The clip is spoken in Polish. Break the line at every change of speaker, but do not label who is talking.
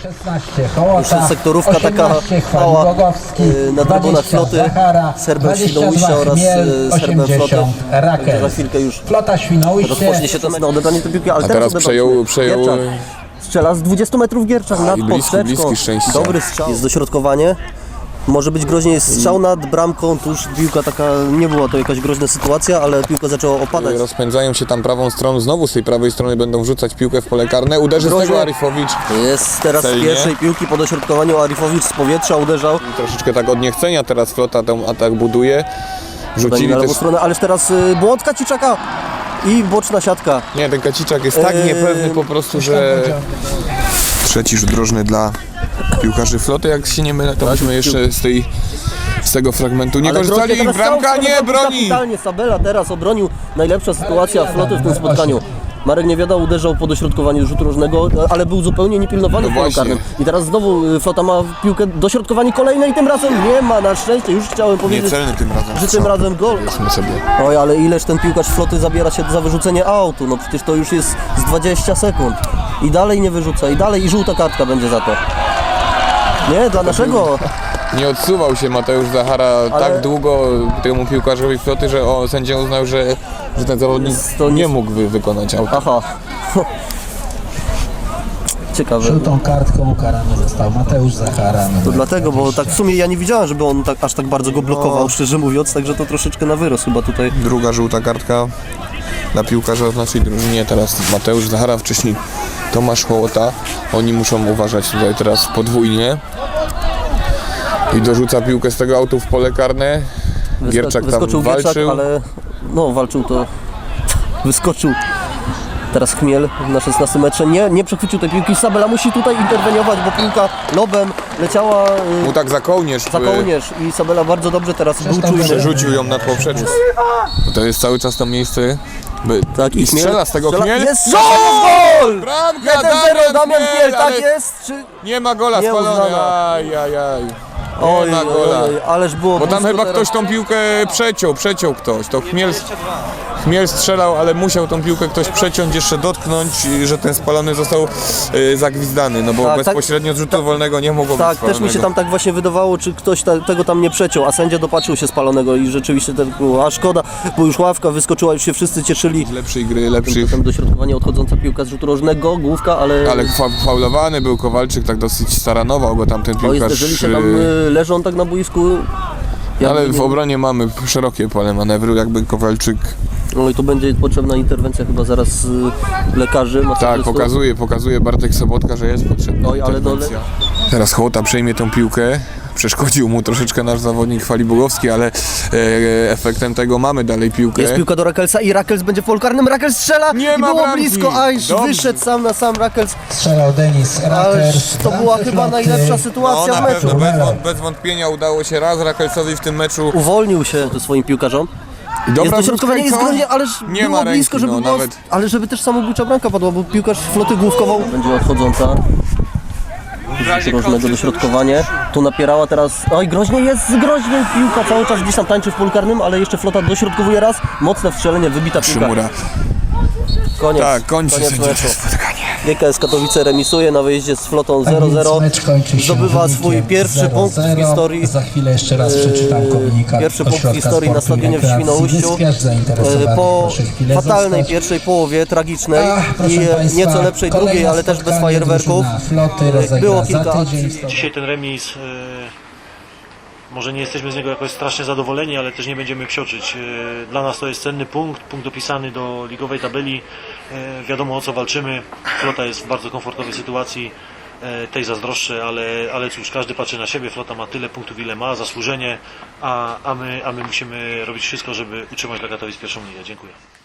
16 Hołota,
Jeszcze sektorówka taka mała na trybunach floty, Serbem Świnoujścia oraz Serbem floty. Za chwilkę już
Flota Świnoujście
rozpocznie się ten na odebranie tej piłki, ale
A teraz przejął
Gierczak strzela z 20 metrów Gierczak nad poprzeczką.
bliski szczęścia.
Dobry strzał. Jest dośrodkowanie. Może być groźnie, jest strzał nad bramką, tuż piłka taka, nie była to jakaś groźna sytuacja, ale piłka zaczęła opadać.
Rozpędzają się tam prawą stroną, znowu z tej prawej strony będą wrzucać piłkę w pole karne. Uderzy z tego Arifowicz.
Jest teraz z
celnie.
pierwszej piłki po dośrodkowaniu Arifowicz z powietrza uderzał.
Troszeczkę tak od niechcenia teraz flota ten atak buduje. Rzucili
Na lewą
też...
stronę, ależ teraz błąd Kaciczaka i boczna siatka.
Nie, ten Kaciczak jest tak niepewny po prostu, że... Trzeci rzut drożny dla piłkarzy floty, jak się nie mylę, to byśmy jeszcze z tego fragmentu nie korzystali. Bramka nie broni!
Kapitalnie Sabela teraz obronił, najlepsza sytuacja floty w tym spotkaniu. Marek Niewiada uderzał po dośrodkowaniu rzutu rożnego, ale był zupełnie niepilnowany w polu karnym. I teraz znowu flota ma piłkę, dośrodkowanie kolejne i tym razem nie ma, na szczęście. Już chciałem powiedzieć,
Niecelny tym razem.
że tym razem gol.
Sobie.
Oj, ale ileż ten piłkarz floty zabiera się za wyrzucenie autu, no przecież to już jest z 20 sekund. I dalej nie wyrzuca, i dalej, i żółta kartka będzie za to. Nie, dla naszego.
Nie odsuwał się Mateusz Zachara tak długo temu piłkarzowi floty, że sędzia uznał, że ten zawodnik nie mógł wykonać auta.
Aha. Ciekawe.
Żółtą kartką ukarany został Mateusz Zachara.
To dlatego, bo tak w sumie ja nie widziałem, żeby on tak, aż tak bardzo go blokował, szczerze mówiąc, także to troszeczkę na wyrost chyba tutaj.
Druga żółta kartka dla piłkarza w naszej drużynie. Teraz Mateusz Zachara, wcześniej Tomasz Hołota. Oni muszą uważać tutaj teraz podwójnie. I dorzuca piłkę z tego autu w pole karne. Gierczak tam walczył.
Gierczak, ale no walczył to, wyskoczył. Teraz Chmiel na 16 metrze nie przechwycił tej piłki. Sabela musi tutaj interweniować, bo piłka lobem leciała
Mu tak za kołnierz
i Sabela bardzo dobrze teraz był czujny.
przerzucił ją nad poprzeczką. To jest cały czas to miejsce.
Tak,
I strzela z tego Chmiel.
Jest gol!
Bramka
1-0 Damian Chmiel, tak
ale
jest? Czy...
nie ma gola spalony.
Nieuznana.
Ajajaj.
Oj,
Nie ma gola.
ależ było
Bo tam
blisko
chyba
teraz.
ktoś tą piłkę przeciął ktoś. To Chmiel strzelał, ale musiał tą piłkę ktoś przeciąć, jeszcze dotknąć, że ten spalony został zagwizdany, no bo
Tak,
bezpośrednio z rzutu wolnego nie mogło być
Tak,
spalonego.
też mi się tam tak właśnie wydawało, czy ktoś tego tam nie przeciął, a sędzia dopatrzył się spalonego i rzeczywiście tak było, a szkoda, bo już ławka wyskoczyła, już się wszyscy cieszyli.
Lepszej gry, lepszych.
Tam dośrodkowanie odchodząca piłka z rzutu rożnego, główka, ale
Faulowany był Kowalczyk, tak dosyć staranował go tam ten
no i
piłkarz.
zderzyli się tam, leżą tak na boisku.
Ale w obronie mamy szerokie pole manewru, jakby Kowalczyk...
No i tu będzie potrzebna interwencja chyba zaraz lekarzy.
Tak, pokazuje Bartek Sobotka, że jest potrzebna
Oj, ale
interwencja. Teraz Hołota przejmie tą piłkę. Przeszkodził mu troszeczkę nasz zawodnik Falibugowski, ale efektem tego mamy dalej piłkę.
Jest piłka do Rakelsa i Rakels będzie w polu karnym, Rakels strzela
Nie
i
ma
było
bramki.
blisko, aż
Dobrze.
wyszedł sam na sam Rakels.
Strzelał Denis Rakers.
To była chyba najlepsza sytuacja w
Na
meczu.
pewno, bez wątpienia udało się raz Rakelsowi w tym meczu.
Uwolnił się swoim piłkarzom. Jest dośrodkowanie, jest groźnie, ależ
nie
było
ma ręki,
blisko, żeby
no,
było,
nawet.
ale żeby też samobójcza bramka padła, bo piłkarz floty główkował. Będzie odchodząca. Groźnego dośrodkowanie. Tu napierała teraz. Oj, groźnie jest, groźnie piłka cały czas gdzieś tam tańczy w polu karnym, ale jeszcze flota dośrodkowuje raz. Mocne wstrzelenie, wybita piłka.
Szymura.
Koniec.
Tak, kończy sędzia
meczu.
spotkanie.
GKS Katowice remisuje na wyjeździe z flotą 0-0. Zdobywa swój pierwszy punkt w historii.
Za chwilę jeszcze raz przeczytam komunikat.
Pierwszy punkt w historii na stadionie w Świnoujściu. Po fatalnej pierwszej połowie, tragicznej i nieco lepszej drugiej, ale też bez fajerwerków. Było kilka akcji.
Dzisiaj ten remis, może nie jesteśmy z niego jakoś strasznie zadowoleni, ale też nie będziemy psioczyć. Dla nas to jest cenny punkt dopisany do ligowej tabeli. Wiadomo, o co walczymy. Flota jest w bardzo komfortowej sytuacji, tej zazdroszczę, ale cóż, każdy patrzy na siebie. Flota ma tyle punktów, ile ma, zasłużenie, a my musimy robić wszystko, żeby utrzymać dla Katowic pierwszą ligę. Dziękuję.